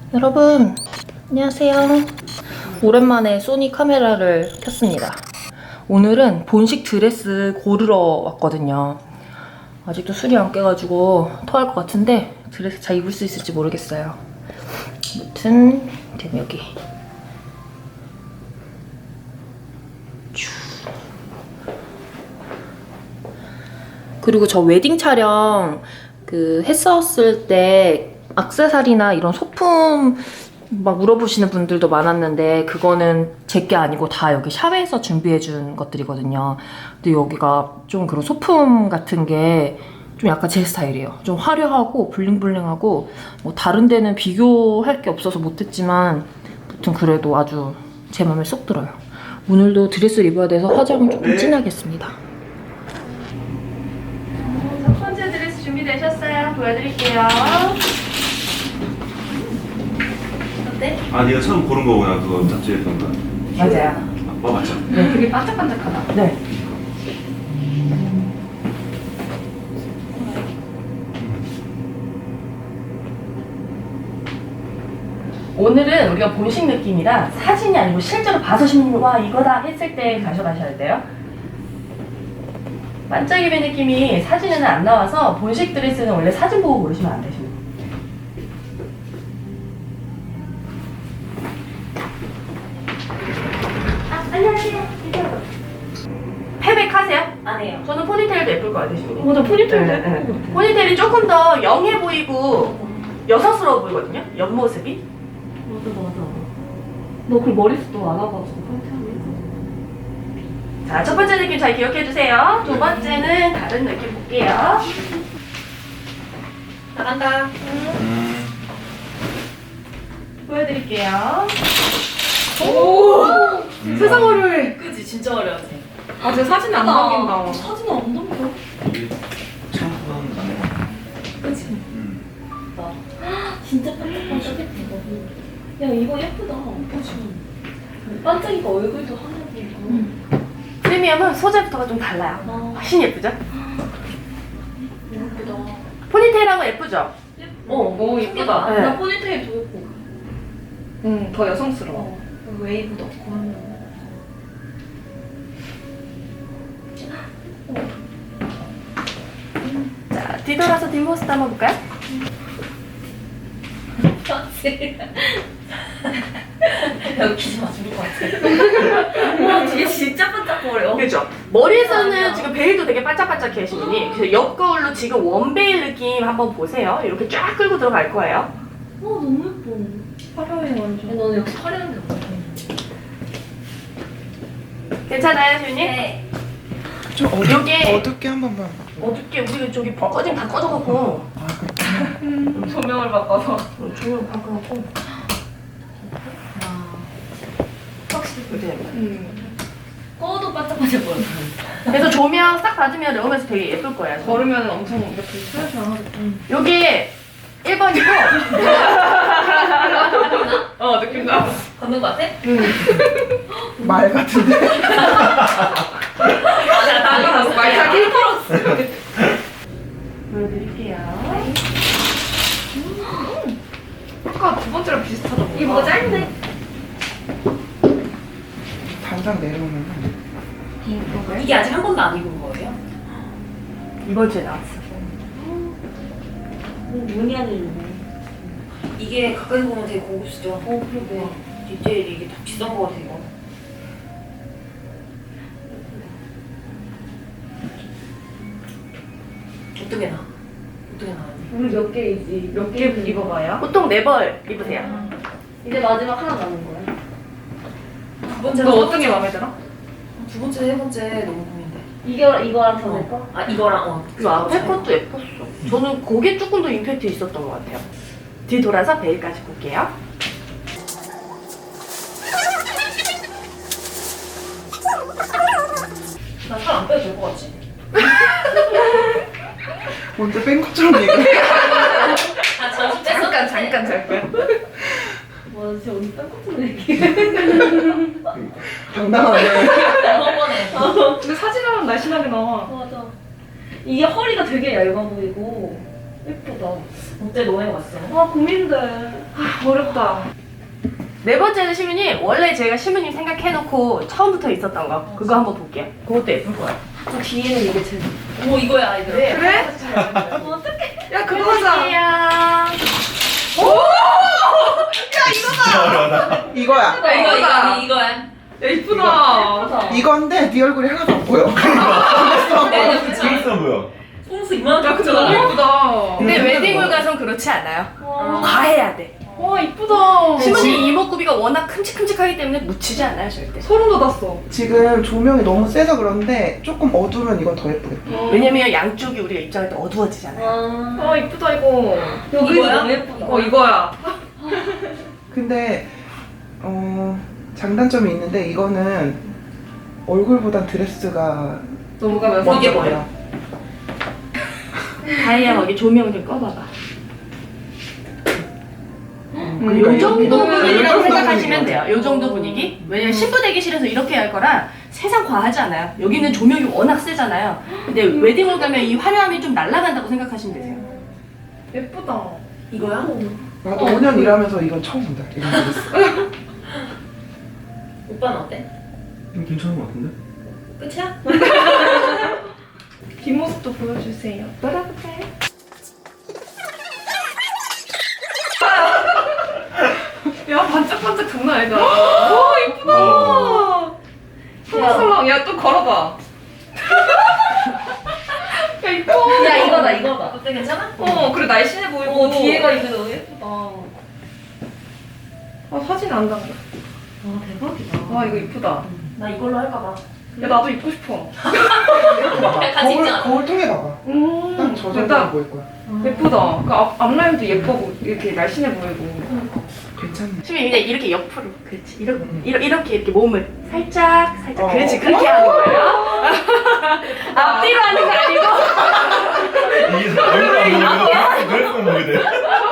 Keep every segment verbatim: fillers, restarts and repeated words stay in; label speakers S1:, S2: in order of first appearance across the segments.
S1: 여러분 안녕하세요. 오랜만에 소니 카메라를 켰습니다. 오늘은 본식 드레스 고르러 왔거든요. 아직도 술이 안 깨가지고 토할 것 같은데 드레스 잘 입을 수 있을지 모르겠어요. 아무튼 여기 그리고 저 웨딩 촬영 그 했었을 때 액세서리나 이런 소품 막 물어보시는 분들도 많았는데 그거는 제게 아니고 다 여기 샵에서 준비해준 것들이거든요. 근데 여기가 좀 그런 소품 같은 게 좀 약간 제 스타일이에요. 좀 화려하고 블링블링하고 뭐 다른 데는 비교할 게 없어서 못했지만 아무튼 그래도 아주 제 맘에 쏙 들어요. 오늘도 드레스를 입어야 돼서 화장을 조금 진하게 했습니다.
S2: 첫 번째 드레스 준비되셨어요? 보여드릴게요. 어때?
S3: 아, 네가 처음 고른 거구나. 그거 잡지했던 거.
S1: 맞아요.
S3: 아, 어, 맞죠?
S2: 네, 되게 반짝반짝하다.
S1: 네.
S2: 오늘은 우리가 본식 느낌이라 사진이 아니고 실제로 봐서 신는 와 이거다 했을 때 가져가셔야 돼요. 반짝이배 느낌이 사진에는 안 나와서 본식 드레스는 원래 사진 보고 고르시면 안 되십니다. 아, 안녕하세요. 패백 하세요?
S1: 안 해요.
S2: 저는 포니테일도 예쁠 것 같으시거든요.
S1: 맞아, 포니테일도
S2: 네,
S1: 예쁘고.
S2: 네. 포니테일이 조금 더 영해 보이고 여성스러워 보이거든요. 옆모습이.
S1: 맞아 맞아. 너 그 머리숱도 안 와가지고
S2: 자, 첫 번째 느낌 잘 기억해 주세요. 두 번째는 다른 느낌 볼게요.
S1: 나간다.
S3: 음.
S2: 보여드릴게요.
S1: 오.
S3: 음.
S1: 세상 화려해. 그지 진짜 화려하지.
S4: 아, 제 사진 안 남긴다.
S1: 사진은 안 남겨.
S3: 이게 참 그건 안 해.
S1: 그치.
S3: 음.
S1: 진짜 반짝반짝해. 야 이거 예쁘다. 그치. 반짝이가 얼굴도 하나 보이고.
S2: 프리미엄은 소재부터가 좀 달라요.
S1: 아,
S2: 훨씬 예쁘죠?
S1: 예쁘다.
S2: 포니테일하고 예쁘죠?
S1: 어,
S4: 오, 예쁘다.
S2: 네.
S1: 나 포니테일 더 예뻐.
S4: 응, 더 여성스러워.
S1: 어, 웨이브 넣고 하면.
S2: 자, 뒤돌아서 뒷모습 한번 볼까요?
S1: 웃기지 마, 죽을 것 같아. 와, 뒤에 진짜 반짝거려.
S2: 그죠? 머리에서는 지금 베일도 되게 반짝반짝해 하시니 그래서 옆거울로 지금 원베일 느낌 한번 보세요. 이렇게 쫙 끌고 들어갈 거예요.
S1: 어, 너무 예뻐.
S4: 화려해, 완전.
S1: 너는 역시 화려한 게 없어.
S2: 괜찮아요, 주님?
S1: 네.
S4: 좀
S2: 요게-
S4: 어둡게 한 번만.
S2: 어저께 우리가 저기 꺼짐 다 꺼져갖고
S4: 아, 그렇구나.
S1: 조명을 바꿔서.
S2: 조명 바꿔놓고
S1: 확실히
S2: 이렇게 됩니다.
S4: 음.
S1: 꺼도 반짝반짝거려.
S2: 그래서 조명 싹 받으면 레오면서 되게 예쁠 거예요.
S4: 걸으면 엄청 이렇게 스트레스하겠다.
S2: 여기 일 번이고
S4: 어, 느낌 나.
S1: 걷는 거 같아?
S4: 말 같은데?
S1: 야, 날라갔어.
S4: 말타기?
S2: 보여드릴게요.
S4: 아까 두 번째랑 비슷하다.
S1: 이게 뭐가 짧네?
S4: 단상 내려오면.
S1: 이게 아직 한 번도 안 입은 거예요?
S2: 이번 주에 나왔어.
S1: 무늬하게 입네. 이게 가까이 보면 되게 고급스죠? 어, 그러게. 디테일이 이게 다 비싼 거 같아요. 어떻게 나? 어떻게 나와요?
S4: 우리 몇 개이지? 몇 개 입어봐요?
S2: 보통 네 벌 입으세요.
S1: 이제 마지막 하나 남은 거예요? 두 번째,
S4: 너 어떤 게 마음에 들어?
S1: 두 번째, 세 번째 너무 고민돼.
S4: 이거, 이거랑 더
S1: 어. 아, 이거랑, 어.
S2: 그 앞에 것도 예뻤어. 저는 그게 조금 더 임팩트 있었던 것 같아요. 뒤 돌아서 베일까지 볼게요.
S1: 나 살 안 빼도 될 것 같지?
S4: 먼저 뺀 것처럼 얘기해.
S1: 아, 저
S4: 잠깐, 잠깐, 잠깐.
S1: 와, 진짜 언니 딴 것처럼 얘기해.
S4: 당당하네.
S1: 한 번에.
S4: 근데 사진은 날씬하게 나와.
S1: 맞아. 이게 허리가 되게 얇아 보이고 예쁘다. 어때 너네 왔어?
S4: 아, 고민돼. 어렵다.
S2: 네 번째는 시민님 원래 제가 시민님 생각해놓고 처음부터 있었던 거 그거 한번 볼게요. 그것도 예쁠 거야.
S1: 그 뒤에는 이게 제일. 오 이거야 이거.
S2: 네.
S4: 그래? 야 그거 하자.
S2: 야
S3: 진짜 어려워.
S4: 이거야.
S1: 이거 이거
S4: 이거다.
S1: 이거 이거야.
S4: 야 이쁘다.
S5: 이건데 네 얼굴이 하나도 안 보여.
S1: 네,
S3: 재밌어 보여.
S1: 속눈썹 이만하게
S4: 야 근데 너무 예쁘다.
S2: 근데 웨딩홀 가선 그렇지 않아요. 과해야 돼.
S4: 와 이쁘다.
S2: 시민님 이목구비가 워낙 큼직큼직하기 때문에 묻히지 않아요 절대.
S4: 소름 돋았어.
S5: 지금 조명이 너무 세서 그런데 조금 어두우면 이건 더 예쁘겠다.
S2: 왜냐면 양쪽이 우리가 입장할 때 어두워지잖아요.
S4: 아 이쁘다 이거.
S1: 여기
S4: 이거야?
S1: 너무 예쁘다.
S4: 어 이거야.
S5: 근데 어 장단점이 있는데 이거는 얼굴보단 드레스가
S4: 너무 가면서
S5: 이게 뭐야?
S2: 다이아 거기 조명 좀 꺼봐봐.
S5: 그러니까
S2: 요 정도
S5: 이거-
S2: 분위기라고
S5: 요 정도
S2: 생각하시면
S5: 분위기야.
S2: 돼요. 요 정도 분위기. 왜냐면 신부 대기실에서 이렇게 할 거라 세상 과하지 않아요. 여기는 조명이 워낙 세잖아요. 근데 웨딩홀 가면 이 화려함이 좀 날아간다고 생각하시면 되세요.
S4: 예쁘다.
S1: 이거야?
S5: 나도 오 년 일하면서 이건 처음 본다. 이런 드레스.
S1: 오빠는 어때?
S3: 이거 괜찮은 것 같은데?
S1: 끝이야?
S4: 뒷모습도 보여주세요. 야 반짝반짝 장난 아니다. 와 이쁘다. 설렁설렁. 야 또 걸어봐. 야 이뻐.
S1: 야 이거다 이거다. 어때 괜찮아?
S4: 어 그래 날씬해 보이고.
S1: 오 뒤에가 이거 너무 예쁘다.
S4: 아 사진 안 담겨.
S1: 와 대박이다.
S4: 와 이거 이쁘다.
S1: 나 이걸로 할까 봐.
S4: 야 나도 입고 싶어.
S1: 같이
S5: 거울
S1: 있자.
S5: 거울 통해 봐봐.
S4: 음.
S5: 딱저 정도로
S4: 됐다.
S5: 보일 거야.
S4: 예쁘다. 그 앞, 앞라인도 예쁘고 이렇게 날씬해 보이고.
S5: 괜찮네.
S2: 시민 그냥 이렇게 옆으로. 그렇지. 이렇게
S5: 음.
S2: 이렇게 이렇게, 이렇게 몸을 살짝 살짝.
S5: 어.
S2: 그렇지. 그렇게 하는 거예요. 앞뒤로 하는 거 아니고.
S3: 이게 얼굴 안 보이면 그걸 보게 돼.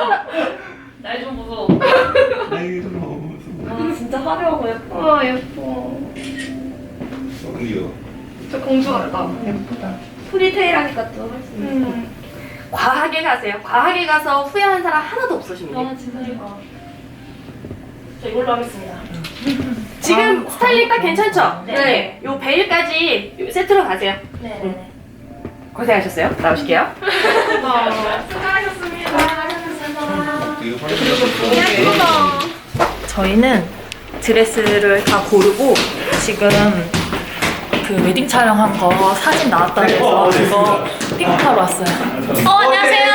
S1: 날 좀 무서워.
S3: 나 이게 좀 너무 무서워.
S1: 아 진짜 화려하고 예뻐.
S4: 와 예뻐.
S3: 어, 이거.
S4: 저 공주 같다.
S5: 예쁘다.
S1: 프리테일 하니까 또 훨씬.
S4: 음.
S2: 과하게 가세요. 과하게 가서 후회하는 사람 하나도 없어 시민님.
S1: 아 진짜 예뻐. 저 이걸로 하겠습니다.
S2: 지금 스타일링 딱 괜찮죠?
S1: 네.
S2: 요 베일까지 요 세트로 가세요.
S1: 네.
S2: 고생하셨어요. 나오실게요.
S4: 수고하셨습니다.
S3: 이거 화장실
S1: 저희는 드레스를 다 고르고 지금 그 웨딩 촬영한 거 사진 나왔다 그래서 그거 픽업하러 왔어요. 어 안녕하세요.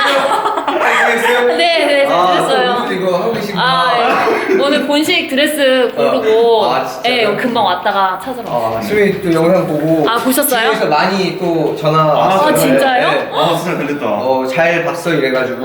S1: 네, 네, 잘 들었어요.
S6: 아, 이거 하고 계신
S1: 아, 예. 오늘 본식 드레스 고르고
S6: 어. 아, 진짜요?
S1: 예, 금방 왔다가 찾으러 왔어요.
S6: 아, 수민이 또 영상 보고
S1: 아, 보셨어요?
S6: 집에서 많이 또 전화 왔어요.
S1: 아, 진짜요?
S6: 네.
S3: 아 진짜 달렸다.
S6: 어, 잘 봤어 이래가지고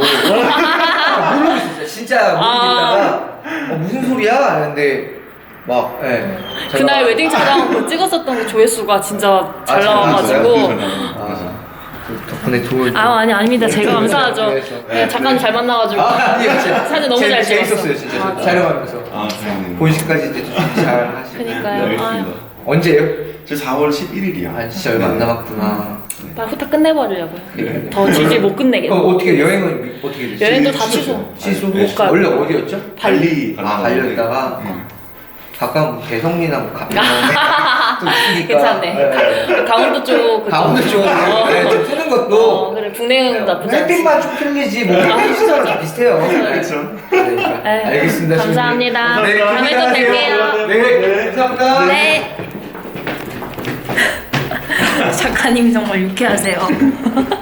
S6: 모르고 있었어요. 진짜 모르겠다가 어, 무슨 소리야? 하는데 막 예.
S1: 그날
S6: 전화-
S1: 웨딩 촬영 그 찍었었던 그 조회수가 진짜 잘
S6: 잘
S1: 나와가지고
S3: 나왔어요?
S6: 아, 그 덕분에 도울
S1: 아 아니 아닙니다. 제가 감사하죠.
S6: 그래서.
S1: 네, 작가님 잘 만나가지고
S6: 아, 아니요, 진짜
S1: 사진 너무 잘
S6: 재밌-
S1: 찍었어.
S6: 재밌었어요, 진짜
S1: 아,
S6: 촬영하면서
S3: 아 다행이네요.
S6: 본식까지 이제 잘 하시고.
S1: 그니까요.
S3: 네,
S1: 아유,
S3: 알겠습니다.
S6: 언제요?
S3: 제 사월 십일일이요.
S6: 아, 진짜 얼마 안 남았구나.
S1: 빨리 후딱 끝내버리려고요.
S6: 네.
S1: 더 질질 못 끝내게.
S6: 어, 어떻게 여행은 어떻게 됐어요?
S1: 여행도 다
S3: 취소.
S1: 취소.
S6: 취소
S3: 네,
S1: 못 가요.
S6: 원래 어디였죠?
S3: 발리
S6: 아, 발렸다가
S3: 음.
S6: 가까운 뭐 대성리나 뭐 가면 또 있으니까.
S1: 괜찮네.
S6: 네.
S1: 강원도 쪽 그쪽.
S6: 강원도 쪽
S1: 어.
S6: 네, 좀 푸는
S1: 어,
S6: 것도
S1: 그래 국내는 나쁘지 않지.
S6: 햇빛만 좀 틀리지 뭐 시설은 다 비슷해요.
S3: 그렇죠.
S6: 네.
S1: 네.
S6: 알겠습니다.
S1: 감사합니다.
S6: 네,
S1: 다음에 또 뵐게요.
S6: 네, 감사합니다.
S1: 네. 작가님 정말 유쾌하세요.